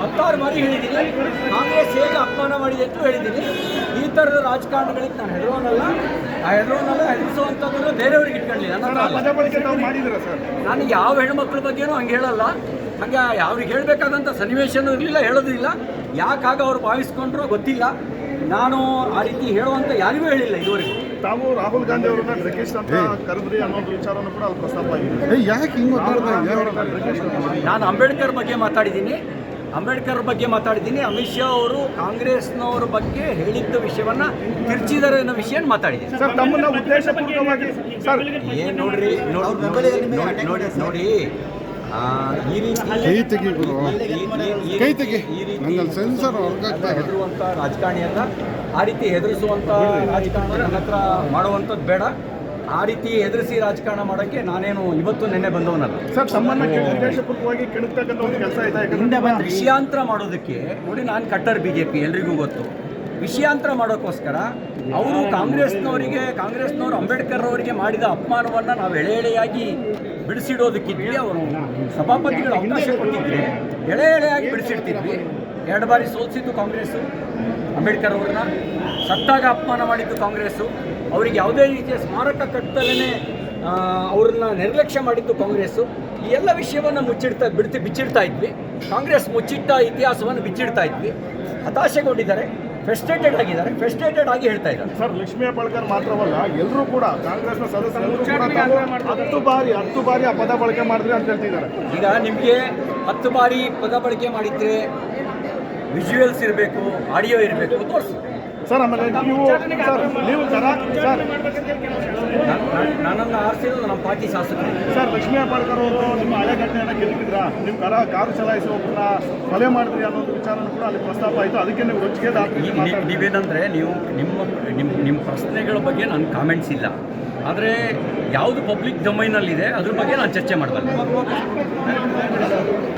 10 ಬಾರಿ ಹೇಳಿದ್ದೀನಿ, ಕಾಂಗ್ರೆಸ್ ಹೇಗೆ ಅಪಮಾನ ಮಾಡಿದೆ ಅಂತ ಹೇಳಿದ್ದೀನಿ. ಈ ಥರದ ರಾಜಕಾರಣಗಳಿಗೆ ನಾನು ಹೆದರಿಸುವಂಥದ್ದನ್ನು ಬೇರೆಯವ್ರಿಗೆ ಇಟ್ಕೊಳ್ಳಿಲ್ಲ. ನಾನು ಯಾವ ಹೆಣ್ಮಕ್ಳ ಬಗ್ಗೆನೂ ಹಂಗೆ ಹೇಳಲ್ಲ, ಹಂಗೆ ಅವ್ರಿಗೆ ಹೇಳಬೇಕಾದಂಥ ಸನ್ನಿವೇಶನೂ ಇರಲಿಲ್ಲ, ಹೇಳೋದಿಲ್ಲ. ಯಾಕಾಗ ಅವ್ರು ಭಾವಿಸ್ಕೊಂಡ್ರೂ ಗೊತ್ತಿಲ್ಲ. ನಾನು ಆ ರೀತಿ ಹೇಳುವಂಥ ಯಾರಿಗೂ ಹೇಳಿಲ್ಲ ಇದುವರೆಗೂ. ತಾವು ರಾಹುಲ್ ಗಾಂಧಿ ಅವರನ್ನ ಡ್ರಗಿಸ್ಟ್ ಅಂತ ಕರೆದ್ರಿ ಅನ್ನೋದು ವಿಚಾರನೂ ಕೂಡ ಅಲ್ಲಿ ಪ್ರಸ್ತಾಪ ಆಗಿದೆ. ಯಾಕೆ ಹಿಂಗೆ ನಾನು ಅಂಬೇಡ್ಕರ್ ಬಗ್ಗೆ ಮಾತಾಡಿದ್ದೀನಿ. ಅಮಿತ್ ಶಾ ಅವರು ಕಾಂಗ್ರೆಸ್ನವ್ರ ಬಗ್ಗೆ ಹೇಳಿದ್ದ ವಿಷಯವನ್ನು ತಿರ್ಚಿದ್ದಾರೆ ಅನ್ನೋ ವಿಷಯ ಮಾತಾಡಿದ್ದೀನಿ. ಸರ್, ತಮ್ಮನ್ನ ಉದ್ದೇಶಪೂರ್ವಕವಾಗಿ ಸರ್ ಏನು ನೋಡಿ ಈ ರೀತಿ ಹೆದರುವಂಥ ರಾಜಕಾರಣಿ ಅಲ್ಲ, ಆ ರೀತಿ ಹೆದರಿಸುವಂಥ ರಾಜಕಾರಣ ನನ್ನ ಹತ್ರ ಮಾಡುವಂಥದ್ದು ಬೇಡ. ಆ ರೀತಿ ಹೆದರಿಸಿ ರಾಜಕಾರಣ ಮಾಡೋಕ್ಕೆ ನಾನೇನು ಇವತ್ತು ನೆನ್ನೆ ಬಂದವನಲ್ಲ. ಸರ್, ತಮ್ಮನ್ನ ಉದ್ದೇಶಪೂರ್ವಕವಾಗಿ ಕೆಣಕ್ತಕ್ಕಂಥ ಒಂದು ಕೆಲಸ ಇದೆ. ವಿಷಯಾಂತರ ಮಾಡೋದಕ್ಕೆ ನೋಡಿ, ನಾನು ಕಟ್ಟರ್ BJP ಎಲ್ರಿಗೂ ಗೊತ್ತು. ವಿಷಯಾಂತರ ಮಾಡೋಕ್ಕೋಸ್ಕರ ಅವರು ಕಾಂಗ್ರೆಸ್ನವರು ಅಂಬೇಡ್ಕರ್ ಅವರಿಗೆ ಮಾಡಿದ ಅಪಮಾನವನ್ನು ನಾವು ಎಳೆಯಾಗಿ ಬಿಡಿಸಿಡೋದಕ್ಕಿದ್ವಿ. ಅವರು ಸಭಾಪತಿಗಳು ಅವಕಾಶ ಕೊಟ್ಟಿದ್ದರೆ ಎಳೆಯಾಗಿ ಬಿಡಿಸಿಡ್ತಿದ್ವಿ. 2 ಬಾರಿ ಸೋಲಿಸಿದ್ದು ಕಾಂಗ್ರೆಸ್ಸು ಅಂಬೇಡ್ಕರ್ ಅವ್ರನ್ನ, ಸತ್ತಾಗ ಅಪಮಾನ ಮಾಡಿದ್ದು ಕಾಂಗ್ರೆಸ್ಸು, ಅವರಿಗೆ ಯಾವುದೇ ರೀತಿಯ ಸ್ಮಾರಕ ಕಟ್ಟದಲ್ಲೇ ಅವ್ರನ್ನ ನಿರ್ಲಕ್ಷ್ಯ ಮಾಡಿದ್ದು ಕಾಂಗ್ರೆಸ್ಸು. ಈ ಎಲ್ಲ ವಿಷಯವನ್ನು ಬಿಚ್ಚಿಡ್ತಾ ಇದ್ವಿ. ಕಾಂಗ್ರೆಸ್ ಮುಚ್ಚಿಟ್ಟ ಇತಿಹಾಸವನ್ನು ಬಿಚ್ಚಿಡ್ತಾ ಇದ್ವಿ. ಹತಾಶೆಗೊಂಡಿದ್ದಾರೆ, ಫ್ರಸ್ಟ್ರೇಟೆಡ್ ಆಗಿ ಹೇಳ್ತಾ ಇದ್ದಾರೆ. ಸರ್, ಲಕ್ಷ್ಮೀ ಹೆಬ್ಬಾಳ್ಕರ್ ಮಾತ್ರವಲ್ಲ, ಎಲ್ಲರೂ ಕೂಡ ಕಾಂಗ್ರೆಸ್ನ ಸದಸ್ಯರು ಕೂಡ 10 ಬಾರಿ ಆ ಪದ ಬಳಕೆ ಮಾಡಿದ್ರಿ ಅಂತ ಹೇಳ್ತಿದ್ದಾರೆ. ಈಗ ನಿಮಗೆ 10 ಬಾರಿ ಪದ ಬಳಕೆ ಮಾಡಿದ್ರೆ ವಿಜುವಲ್ಸ್ ಇರಬೇಕು, ಆಡಿಯೋ ಇರಬೇಕು, ತೋರಿಸಿ. ಸರ್, ಆಮೇಲೆ ನೀವು ನನ್ನನ್ನು ಆರಿಸಿರೋದು ನಮ್ಮ ಪಾರ್ಟಿ ಶಾಸಕರು. ಸರ್, ಲಕ್ಷ್ಮೀ ಹೆಬ್ಬಾಳ್ಕರ್ ಅವರು ನಿಮ್ಮ ಹಳೆ ಘಟನೆಯನ್ನು ಗೆಲ್ಲಿದ್ರ, ನಿಮ್ಮ ಕಾರು ಚಲಾಯಿಸುವೊಬ್ಬರನ್ನ ಕೊಲೆ ಮಾಡಿದ್ರಿ ಅನ್ನೋದು ವಿಚಾರನೂ ಕೂಡ ಅಲ್ಲಿ ಪ್ರಸ್ತಾಪ ಆಯಿತು. ಅದಕ್ಕೆ ನೀವು ರೊಚ್ಚಿಗೆ ನೀವೇನಂದರೆ ನಿಮ್ಮ ಪ್ರಶ್ನೆಗಳ ಬಗ್ಗೆ ನನ್ನ ಕಾಮೆಂಟ್ಸ್ ಇಲ್ಲ, ಆದರೆ ಯಾವುದು ಪಬ್ಲಿಕ್ ಡೊಮೈನಲ್ಲಿದೆ ಅದ್ರ ಬಗ್ಗೆ ನಾನು ಚರ್ಚೆ ಮಾಡಬಲ್ಲೆ.